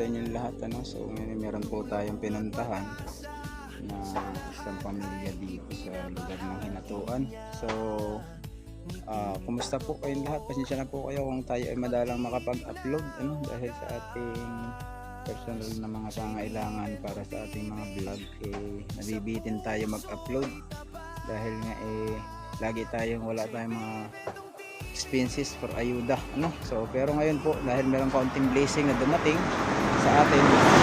inyong lahat, ano. So ngayon meron po tayong pinuntahan na isang pamilya dito sa lugar ng Hinatuan. So kumusta po kayong lahat? Pasensya na po kayo kung tayo ay madalang makapag-upload, ano, dahil sa ating personal na mga pangailangan para sa ating mga vlog, nabibitin tayo mag-upload dahil nga lagi tayong wala tayong mga expenses for ayuda, ano. So pero ngayon po, dahil merong kaunting blessing na dumating sa atin,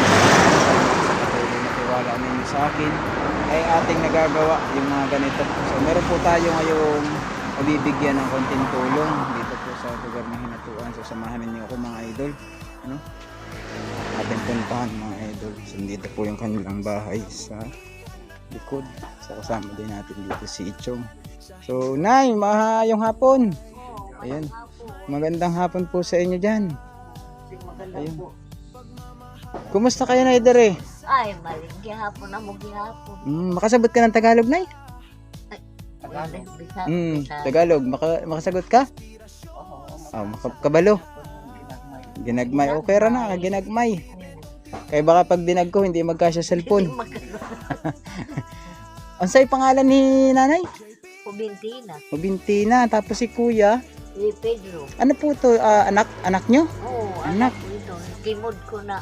na tiwala ninyo sa akin, ay ating nagagawa yung mga ganito. So meron po tayo ngayong mabibigyan ng konting tulong dito po sa lugar ng Hinatuan. So samahan niyo ako mga idol, ano, ating puntahan mga idol. So dito po yung kanilang bahay sa likod. So kasama din natin dito si Ichong. So Nay, mahayong hapon. Ayan, magandang hapon po sa inyo dyan. Ayun. Kumusta kayo na idere? Ay, maling gihapon na mo gihapon. Makasabot ka ng Tagalog, Nay? Tagalog. Tagalog, makasagot ka? Kabalo. Ginagmay, okay ra na, ginagmay. Kaya baka pag dinag ko, hindi magkasya cellphone. Ang say pangalan ni nanay? Kubintina. Kubintina, tapos si kuya. Si Pedro. Ano po to, anak nyo? Oo, Anak. anak ito. Kimod ko na.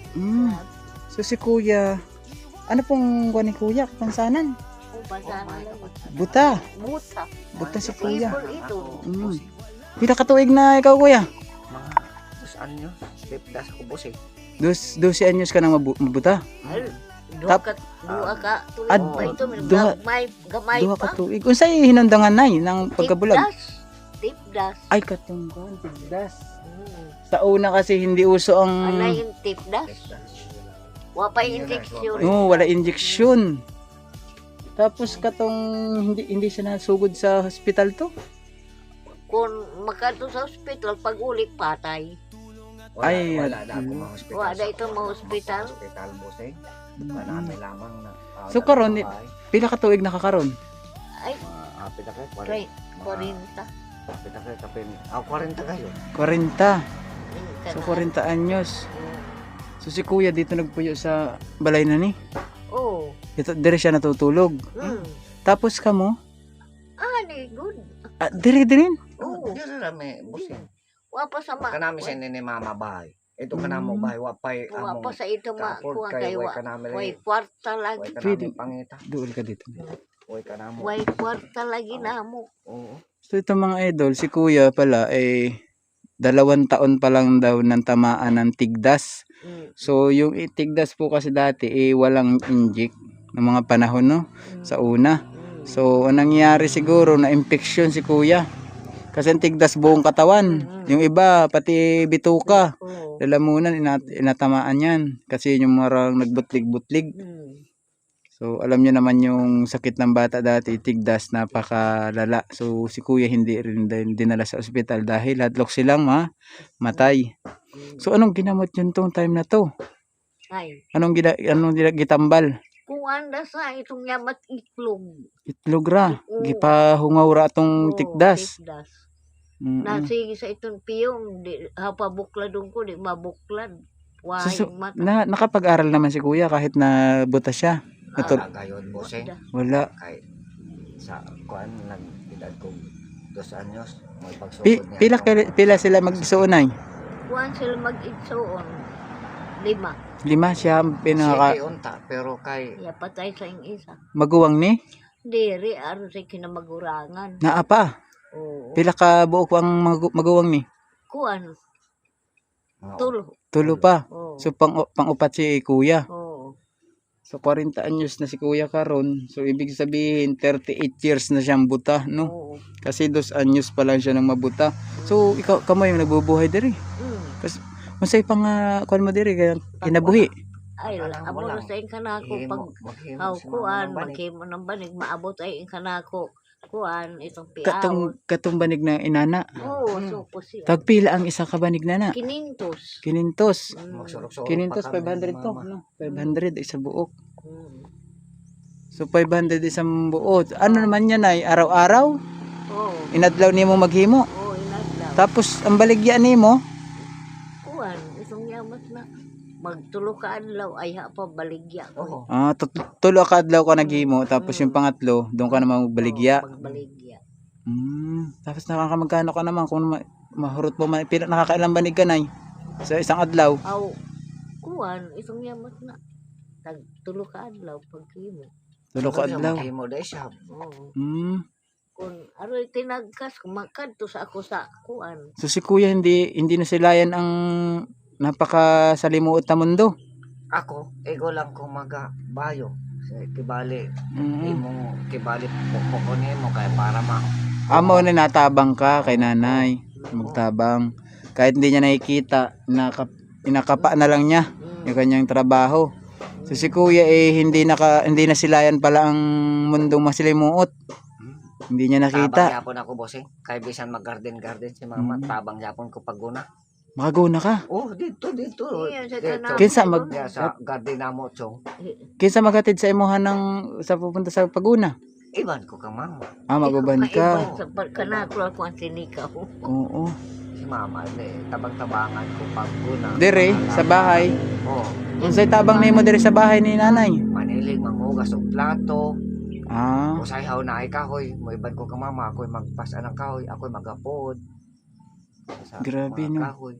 So si kuya, ano pong kuha ni kuya? Kapansanan? Pasana lang. Buta. Buta. Buta si kuya. People ito. Pila katuig na ikaw kuya? Mga 2 anyo, lipdas ko boss eh. 12 anyos ka nang mabuta? Ay, duha ka. Ito, gamay Duha pa. katuig. Unsay hinandangan nay ng pagkabulag? Tipdas. Ay, katunggan, tipdas. Sa una kasi hindi uso ang... Ano yung tipdas? Wapay injection. Oo, wala injection. Tapos katong hindi siya nasugod sa hospital to. Kung makato sa hospital, pag ulit patay. Wala na ako mga hospital. Wala ito mga hospital. Hospital boss eh. Namin lamang na. So karon, pila katuig nakakaron? Ay, Pita kayo, 40. Pita kayo, 40 kayo. 40. So 40 anyos. So si kuya dito nagpuyo sa balay na ni. Oo. Dito dire siya natutulog. Tapos kamo? Good. Dire rin. Oo. Yan na may boss eh. Wapa sa ma. Kanami siya ni mama bahay. Ito kanamo bahay, wapay Wapa sa ito ma. kapod Kuha kayo, kayo. way kanami Way lagi. kwarta lagi. Way Pwede. kanami pangita. Duol ka dito. Way kanamo. Way kwarta lagi na mo. Oo. So ito mga idol, si kuya pala 2 taon pa lang daw ng tamaan ng tigdas. So yung tigdas po kasi dati walang inject ng mga panahon, no, sa una. So anong nangyari siguro na infection si kuya. Kasi ang tigdas buong katawan. Yung iba pati bituka, lalamunan inatamaan yan kasi yung marang nagbutlig-butlig. So alam niyo naman yung sakit ng bata dati, tigdas, napakalala. So si kuya hindi rin dinala sa ospital dahil hadlok silang matay. So anong ginamot yun tong time na to? Ay. Anong gitambal? Kung anda sa itong yamat itlog. Itlog ra. Gipahungaw ra tong tigdas. Tipdas. Mm-mm. Nasigi sa itong piyong. Hapabukladong ko, di mabuklad. So, Wahing mata. nakapag-aral naman si kuya kahit na buta siya. Wala gayon boss eh. Wala. Kay sa kuan nag-edad ko 2 anyos may pagsugod Pila sila magsuunay? Kuhan sila mag-itsoon. 5. 5 siya pinaka unta pero kay Ya patay sa ing isa. maguwang ni. Diri, aron sa kinamagurangan. Naapa. Oo. Pila ka buok ang maguwang ni? Kuhan. mga Tulo. Pa. Oo. So pang-upat si kuya. Oo. So 40 anyos na si kuya karon. So ibig sabihin 38 years na siyang buta, no? Oo. Kasi 2 anyos pa lang siya nang mabuta. So ikaw kamo yung nagbubuhay diri. Kasi unsay pang kuan mo diri kaya kinabuhi? Ay, amo na sa ing kanako pag kuan, maghimo ng banig, maabot ay ing kanako. Kuan, itong piaw. Katong banig na inana. Oo, supo siya. Tagpila ang isa ka banig nana? 500. 500. magsurok-surok 500 500 to, no? 500 isa buok. So 500 isang buot. Ano naman yan ay araw-araw? Oo. Inadlaw nimo maghimo. Oo, inadlaw. Tapos ang baligya nimo, Kuan, itong yamat na. magtulo ka adlaw ay ha pa baligya ko. Oo. Tulo ka adlaw ka naghimo, tapos yung pangatlo, doon ka naman magbaligya. Magbaligya. Tapos nakakamagkano ka naman kung mahurot mo man, nakakailang banig ka, Nay? Sa isang adlaw? Aw, kuan, itong yamot na. Tagtulo ka adlaw pagkimo. Tulo ka adlaw. Mo dahil siya. Oo. Kung aroy tinagkas, kumakad to sa ako sa kuan. So si Kuya hindi nasilayan ang napakasalimuot na mundo. Ako, ego lang kung magabayo. Kibali, kibali po mo kaya para Amo na natabang ka kay nanay. Magtabang. Kahit hindi niya nakikita, inakapa na lang niya yung kanyang trabaho. So si Kuya hindi nasilayan pala ang mundong masalimuot. Hindi niya tabang nakita. yapon ako, bossing. Kaya bisan mag-garden si mama, tabang yapon ko paguna. Makaguna ka. Oh, dito. Iya, sa Dito. tanawin. Kinsa Kaya sa garden na mo, chong. Kinsa maghatid sa imuhan sa pupunta sa Paguna? Iban ko ka, mama. Maguban ka. Sa kanako ako ang sinikaw. Oo. Si mama, tabang-tabangan ko paguna. Dire sa bahay. Oh, Unsay tabang nimo dire sa bahay ni nanay? manilig, mangugas og plato. Ah, Usahay na ay kahoy. Mo iban ko ka, mama. Ako'y magpasa ng kahoy. Ako'y magapod. Sa Grabe, mga no? kahoy.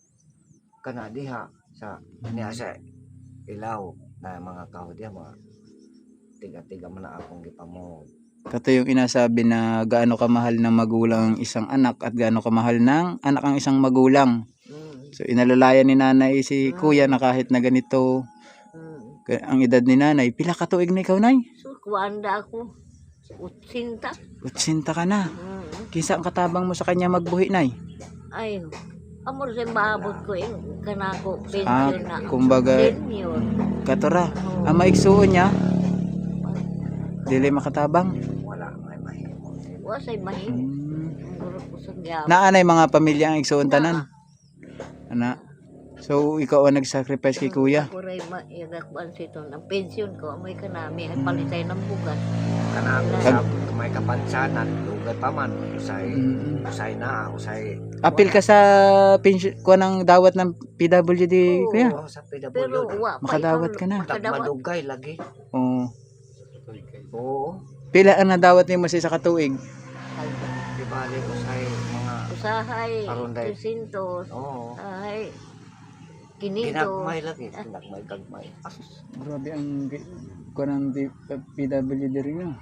Kana diha niya sa ilaw na mga kahoy diha, mga tiga-tiga man na akong gipamod. kato yung inasabi na gaano kamahal ng magulang ang isang anak at gaano kamahal ng anak ang isang magulang. So inalalayan ni nanay si Kuya na kahit na ganito ang edad ni nanay, pila ka tuig na ikaw, Nay? So kuanda ako. Utsinta. Utsinta ka na. Kisa ang katabang mo sa kanya magbuhi, Nay? Ay, amor sa maabot ko yung kanako pension na. Kumbaga, Senior. katora. Ang maigsuon niya, dili makatabang. Wala may mahimo. Wasay mahim. Guro ko sa gyapon. Naanay mga pamilya ang igsuon tanan. Ana. So ikaw ang nag-sacrifice kay Kuya. Ako rin maigakban sito. Ang pension ko, amoy kanami, ay palitay ng bugas. Kana ako sa may kapansanan, lugay pa man. Usay na, usay. Apil ka sa pension ko ng dawat ng PWD, Kuya. Oo, sa PWD. Pero wa pa Makadawat ikaw- ka na. Makadawat. Madugay lagi. Oo. Oo. Pila ang nadawat nimo sa katuig? Di bali usay mga Usahay, Aron day. 300. oo. Ay, kinito. Ginagmay lagi, ginagmay gagmay. Grabe ang kuan ng PWD rin yun.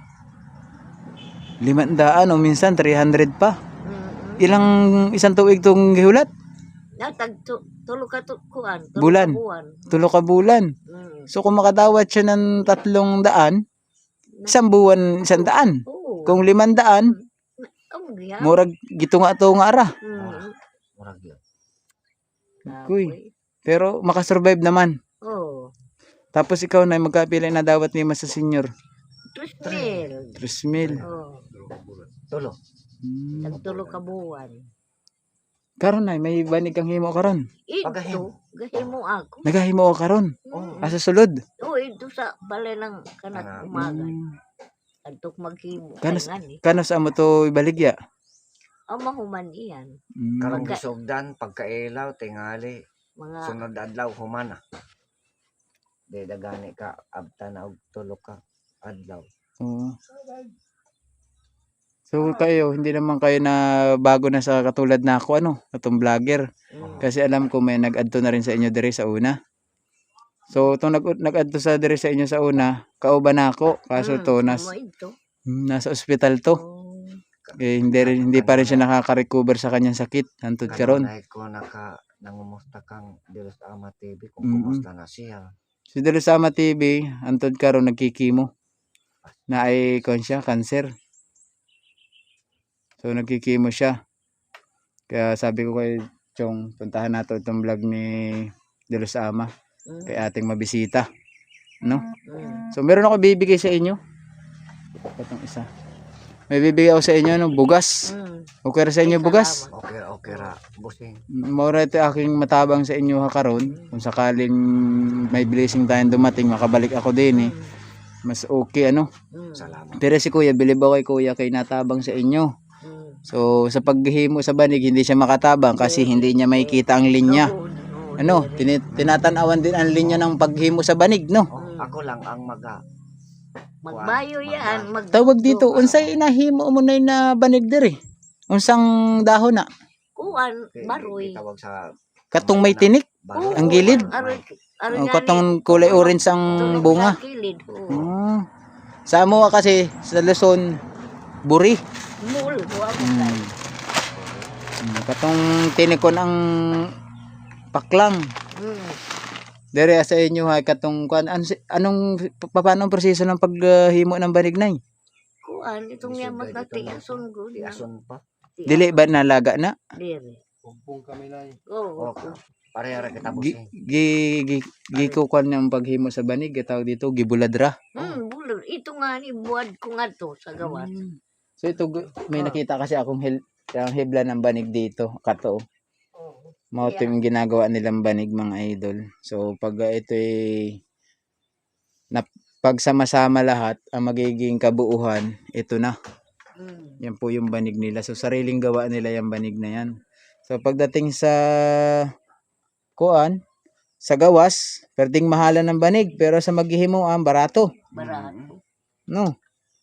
500 o minsan 300 pa. Ilang isang tuig tong gihulat? Natag tulo ka kuan. Bulan. Tulo ka bulan. So kung makadawat siya ng 300, isang buwan 100. Oo. Kung 500, Ang giya. murag gitunga-tunga ra. Murag yun. Kuy. Pero makasurvive naman. Oo. Tapos ikaw na magkapila na dawat nimo sa senior. 3,000. 3,000. Oo. Tulo. Tagtulo ka buwan. Karon na may banig kang himo karon. Pagahimo. Ito, gahimo ako. Nagahimo ka karon. Oo. Asa sulod. Oo, ito sa balay ng kanak umaga. Antok maghimo. Kanos Ngani. kanos amo to ibaligya. Ang mahuman iyan. Karong gisugdan, pagkailaw, tingali, Mga sunod adlaw, humana. Di dagani ka, abta na og tulo ka adlaw. Oo. So kayo, hindi naman kayo na bago na sa katulad na ako, atong vlogger. Kasi alam ko may nag-add to na rin sa inyo dire sa una. So itong nag-add to sa dire sa inyo sa una, kauban na ako. Kaso to mo ito. nasa ospital to. Oh. Hindi pa rin siya nakaka-recover sa kanyang sakit hantod karon. Kanunay ko nangumusta kang Dilos Ama TV kung Mm-mm. kumusta na siya. Si Delusama TV hantod karon nagkikimo. Na ay siya, cancer. So nagkikimo siya. Kaya sabi ko kay Chong, puntahan nato itong vlog ni Delusama kay ating mabisita. No? So meron ako bibigay sa inyo. Itong isa. May bibigay ako sa inyo bugas. Okay ra sa inyo bugas? Okay ra, busing. Maura ito aking matabang sa inyo ha karon. Kung sakaling may blessing tayong dumating, makabalik ako din Mas okay Salamat. Pero si Kuya, bilib ako kay Kuya kay natabang sa inyo. So sa paghihimo sa banig, hindi siya makatabang kasi hindi niya makikita ang linya. ano, tinatanawan din ang linya ng paghimo sa banig, no? Ako lang ang Magbayo yan. Tawag dito, unsay inahimo mo na na banig diri? Unsang dahon na? Kuan, baroy. Tawag sa Katong may tinik? baroy. Ang gilid? Aroy O, katong kulay orange ang bunga. Sa kilid. Sa amo kasi sa Luzon, buri. Mul. Huwag Katong tinikon ang paklang. Dere sa inyo ha katong kuan anong paano ang proseso ng paghimo ng banig nay? Kuan, itong yamat na tiason ko. Tiason pa. Dili ba nalaga na? Dili. Kumpong kami na Oo. Pareha ra kita Gi busing. gi ko kuan ng paghimo sa banig tawag dito gibuladra. Bulod. Ito nga ni buwad ko nga to sa gawas. So ito may nakita kasi akong ang hibla ng banig dito kato. Mao to yung ginagawa nilang banig mga idol. So pag ito pagsama-sama lahat ang magiging kabuuhan, ito na. Yan po yung banig nila. So sariling gawa nila yung banig na yan. So pagdating sa kuan, sa gawas, pwedeng mahalan ng banig pero sa maghihimuan barato. Barato. No.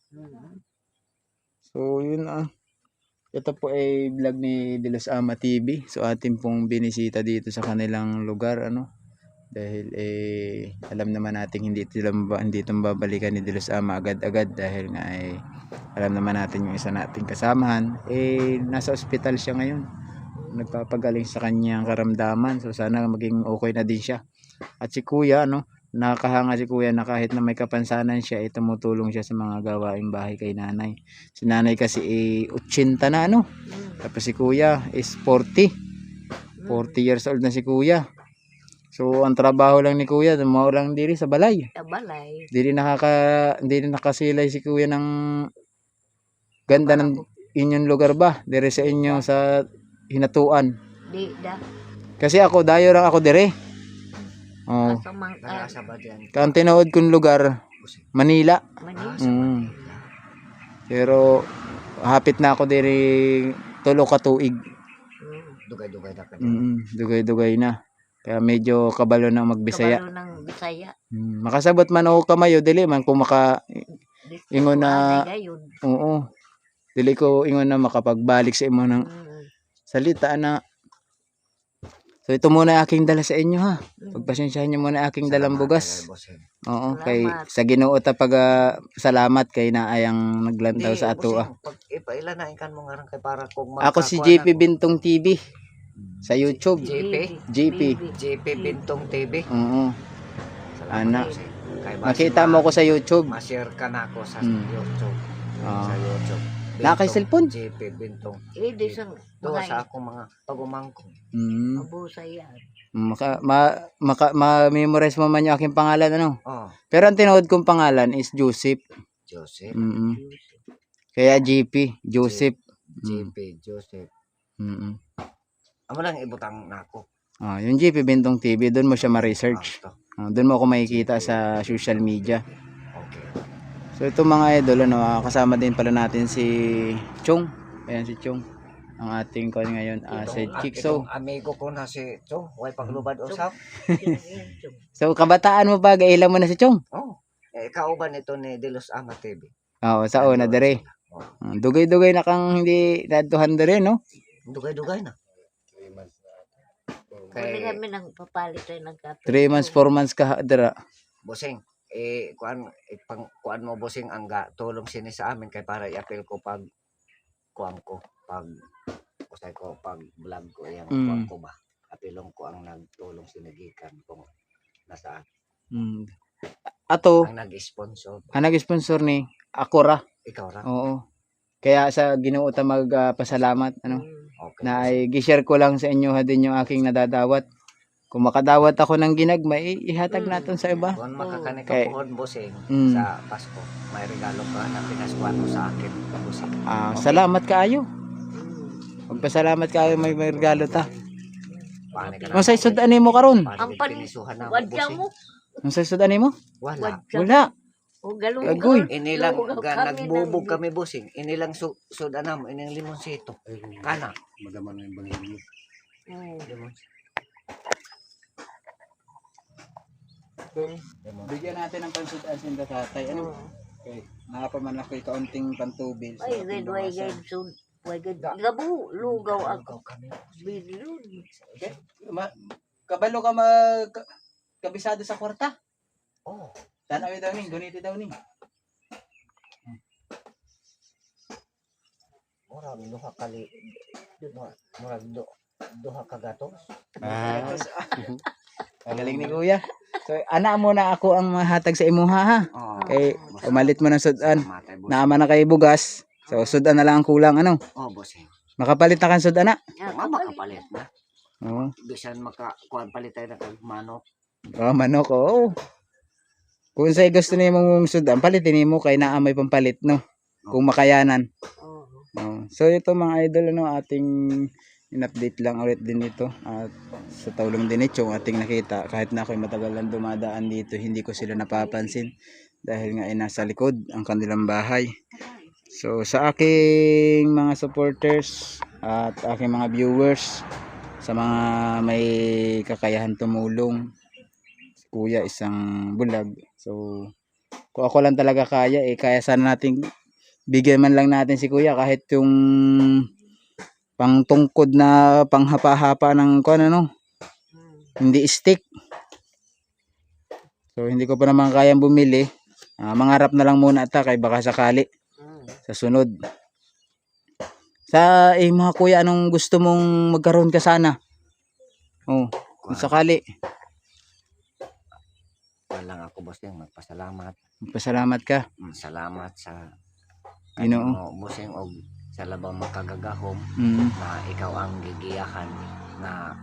So yun ito po ay vlog ni De Los Ama TV. So atin pong binisita dito sa kanilang lugar dahil alam naman natin hindi itong babalikan ni De Los Ama agad-agad dahil nga alam naman natin yung isa nating kasamahan nasa ospital siya ngayon. Nagpapagaling sa kanyang karamdaman. So sana maging okay na din siya. At si Kuya nakakahanga si Kuya na kahit na may kapansanan siya tumutulong siya sa mga gawaing bahay kay nanay. Si nanay kasi 80 na tapos si Kuya is 40 years old na si Kuya. So ang trabaho lang ni Kuya dumao lang diri sa balay. Sa balay. Hindi nakasilay si Kuya ng ganda ng inyong lugar ba? Diri sa inyo sa Hinatuan. Di da. Kasi ako dayo lang ako dire. Oh. Nasa ba diyan? Kang tinuod kong lugar Manila. Manila. Pero hapit na ako diri tulo ka tuig. Dugay-dugay na ka. Dugay-dugay na. Kaya medyo kabalo ng magbisaya. Kabalo ng Bisaya. Makasabot man ako kamayo dili man kung ingon na oo. Dili ko ingon na makapagbalik sa imo ng salita na. So ito muna aking dala sa inyo ha. Pagpasensyahan niyo muna aking dalang bugas. Oo, kay sa Ginoo ta salamat kay naayang naglantaw sa ato Pag ipaila na ikan mo nga kay para kung Ako si JP Bintong TV sa YouTube. JP Bintong TV. Oo. Ana. Kay Makita mo ko sa YouTube. Ma-share ka na ako sa YouTube. Sa YouTube. Na kay cellphone? JP Bintong. Di sang Do sa akong mga pagumangkong. Mabusa yan. Ma-memorize mo man yung aking pangalan Pero ang tinuod kong pangalan is Joseph. Joseph. Kaya JP, Joseph. JP Joseph. Amo lang ibutang nako. Yung JP Bintong TV, doon mo siya ma-research. Doon mo ako makikita sa social media. Okay. So ito mga idol, kasama din pala natin si Chong. Ayan si Chong. Ang ating kon ngayon si Chikso. Amigo ko na si Chong, way paglubad usap. So kabataan mo ba gailan mo na si Chong? Kauban ito ni De Los Ama TV. Oo, sa una dire. Dugay-dugay na kang hindi nadtuhan dire, no? Dugay-dugay na. Kaya kami nang papalit tayo ng kape. 3 months, 4 months ka dira. Bosing, kuan mo bosing ang tulong sini sa amin kay para i-appeal ko pag kuan ko pag usay ko pag vlog ko yang kuan ko ba. Apilong ko ang nagtulong sinigikan kung nasaan. Ato, ang nag-sponsor. Ang nag-sponsor ni Akora. Ikaw ra. Oo. Kaya sa Ginoo ta magpasalamat Okay. na ay gi-share ko lang sa inyo din yung aking nadadawat. Kung makadawat ako ng ginagma, ihatag natin sa iba. Kung makakanik Okay. ka pohon bosing sa Pasko, may regalo ka na pinaskuan mo sa akin bosing. Salamat kaayo. Magpasalamat kaayo may regalo ta. Unsay sudan mo karon? Ang pinisuhan na wadya mo. Unsay sudan mo? Wala. O galong. Agoy. Inilang nagbubog kami bosing. Inilang sudan mo, inilang limonsito. Kana. Madaman na yung bangin mo. Bigyan natin ng pansudan sinda tatay. Ano? Okay. Nakapaman ako kaunting pantubil. sa Ay, ating gad, way, bawasan. gad, sud. Way, gad, gabu, lugaw ako. kami. Bilyon. Okay? Kabalo ka mag kabisado sa kwarta. Oh, Tanawi daw ning, guniti daw ning. murag duha kali. Murag duha ka gatos. Ah. Magaling ni kuya. So, ana mo na ako ang mahatag sa imuha ha. Oh, Kay umalit mo ng sudan. matay boss. Naama na kay bugas. So, sudan na lang ang kulang ano. Oh, bossing. Makapalit na kan sudan na. Makapalit na. Oo. Bisan kuan palit tayo na kag manok. Oh, manok oh. Kung say gusto nimo mong sudan, palitin nimo kay naa may pampalit no. Kung makayanan. Oo. Oh. So ito mga idol ano ating in-update lang ulit din ito at sa Taulong Dinich yung ating nakita kahit na ako'y matagal lang dumadaan dito hindi ko sila napapansin dahil nga ay nasa likod ang kanilang bahay. So sa aking mga supporters at aking mga viewers sa mga may kakayahan tumulong si kuya isang bulag. So kung ako lang talaga kaya kaya sana natin bigyan man lang natin si kuya kahit yung pang tungkod na panghapa-hapa ng kuan ano hindi stick. So hindi ko pa naman kayang bumili. Mangarap na lang muna ata kay baka sakali sa sunod. Sa mga kuya anong gusto mong magkaroon ka sana? Oh, kung sakali. Walang ako bossing magpasalamat. Magpasalamat ka. Salamat sa Ginoo. bossing og sa labang makagagahom Mm. na ikaw ang gigiyahan na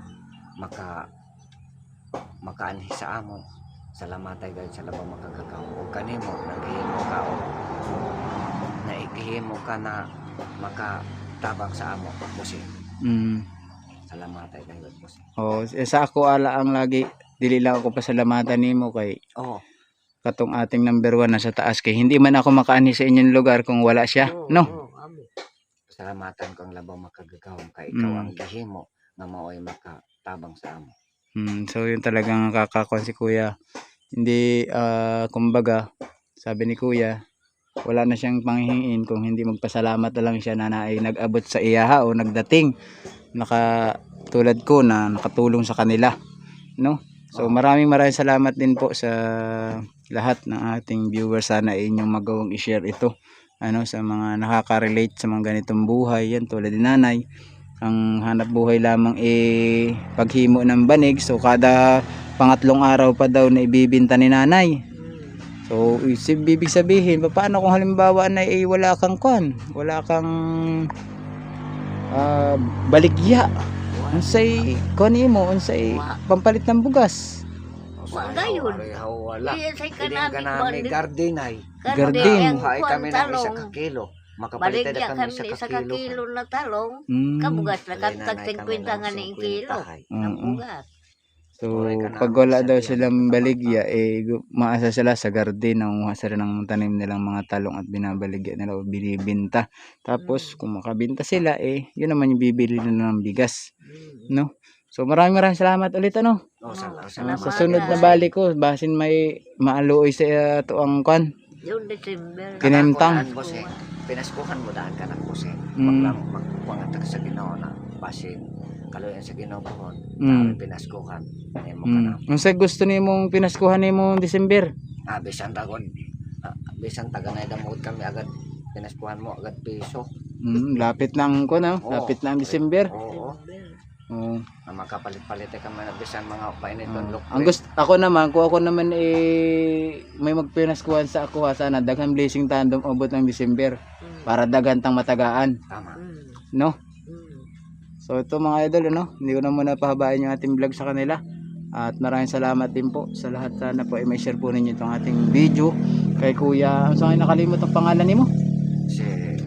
makaanhi sa amo. Salamat ay dahil sa labang makagagahom ug kanimo naghihimo ka og naigihimo ka na makatabang sa amo bossing. Mm. Salamat ay dahil bossing. Oh, sa ako ala ang lagi dili lang ako pasalamatan nimo kay Oh, katong ating number 1 na sa taas kay hindi man ako makaani sa inyong lugar kung wala siya, no? salamatan ko ang labang makagagahom kay ikaw Mm. ang gihimo nga mao'y makatabang sa amo. So yun talagang nakakakon si kuya. Hindi kumbaga sabi ni kuya wala na siyang panghihingiin kung hindi magpasalamat na lang siya na ay nag-abot sa iyaha o nagdating tulad ko na nakatulong sa kanila, no? So maraming salamat din po sa lahat ng ating viewers. Sana inyong magawang i-share ito ano sa mga nakaka-relate sa mga ganitong buhay yan tulad ni nanay. Ang hanap buhay lamang paghimo ng banig. So kada pangatlong araw pa daw na ibibinta ni nanay. So ibig sabihin paano kung halimbawa na wala kang wala kang baligya unsay mo unsay pampalit ng bugas. Wala yun. Wala. Iya say Hindi kanami ka namin garden ay. Garden. Buhay kami ng isa ka kilo. Makapalit Baligya na kami kami sa sa kakilo. kakilo na talong. Mm. Kabugas na Alay, katag nanay, 50 kami nga lang ni 50 kilo. ay. Ng Mm. bugas. So Tuloy ka na pag ang wala daw sabihan silang ng baligya maasa sila sa garden nanguha sila ng tanim nilang mga talong at binabaligya nila o binibinta. Tapos kung makabinta sila yun naman yung bibili nila ng bigas, no? So maraming salamat ulit ano. Oh, Salamat. Sa sunod na balik ko basin may maaluoy sa tuang Yung December. Kinemtang. Kanakuan, boss, pinaskuhan mo daan ka ng boss. Mm. Magpangatag sa Ginoo na basin kaluyan sa Ginoo pohon. Mm. Pinaskuhan. Nimo ka na. Unsa gusto nimong pinaskuhan nimong December? Bisan tagod. Bisan taga na damod kami agad pinaskuhan mo agad piso. Lapit lang ko no. Oo. Lapit lang December. Oo. Oo. Na makapalit-palit kami na bisan mga painiton look. Ang gusto ako naman, kung ako naman may magpinaskuhan sa ako sana daghan blessing tandem abot ng December para daghan tang matagaan, Tama. no? So ito mga idol ano, hindi ko na muna pahabain yung ating vlog sa kanila. At maraming salamat din po sa lahat. Sana po may share po ninyo itong ating video kay Kuya. Ang saan nakalimot ang pangalan nimo? Si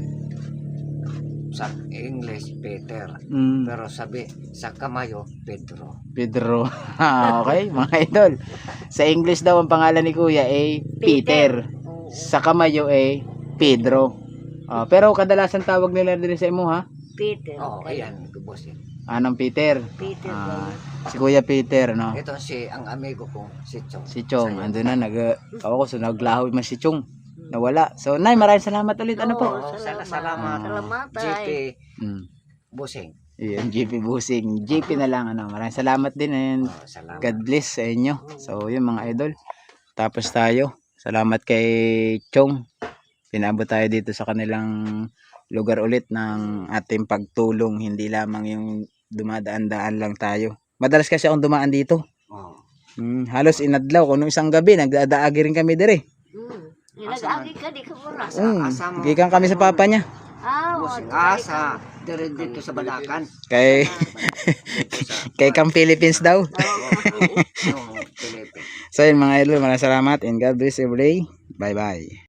sa English Peter. Pero sabi sa Kamayo Pedro. Pedro. Okay, mga idol. Sa English daw ang pangalan ni Kuya Peter. Sa Kamayo Pedro. Pero kadalasan tawag nila din sa imo ha? Peter. Oh, ayan, boss. Anong Peter? Peter Ah, Gawin. si Kuya Peter, no? Ito ang amigo ko, si Chong. Si Chong, andun na, ako, so naglaho man si Chong. Nawala. So, Nay, maraming salamat ulit. Ano po? Oo, salamat. Salamat GP ay. Mm. Busing. Yun, GP Busing. GP na lang, ano. Maraming salamat din and Salamat. God bless sa inyo. So, yun mga idol. Tapos tayo. Salamat kay Chong. Pinabot tayo dito sa kanilang lugar ulit ng ating pagtulong. Hindi lamang yung dumadaan-daan lang tayo. Madalas kasi akong dumaan dito. Oh. Halos inadlaw. Kung nung isang gabi, nagdadaagi rin kami dire. Nag-agi ka, di ka muna. Asa mo? Gikan kami sa papa niya. Busing. Sa dito sa Balakan. Kay, kay Cam Philippines daw. Yung Philippines. So yun mga idol, maraming salamat and God bless every day. Bye bye.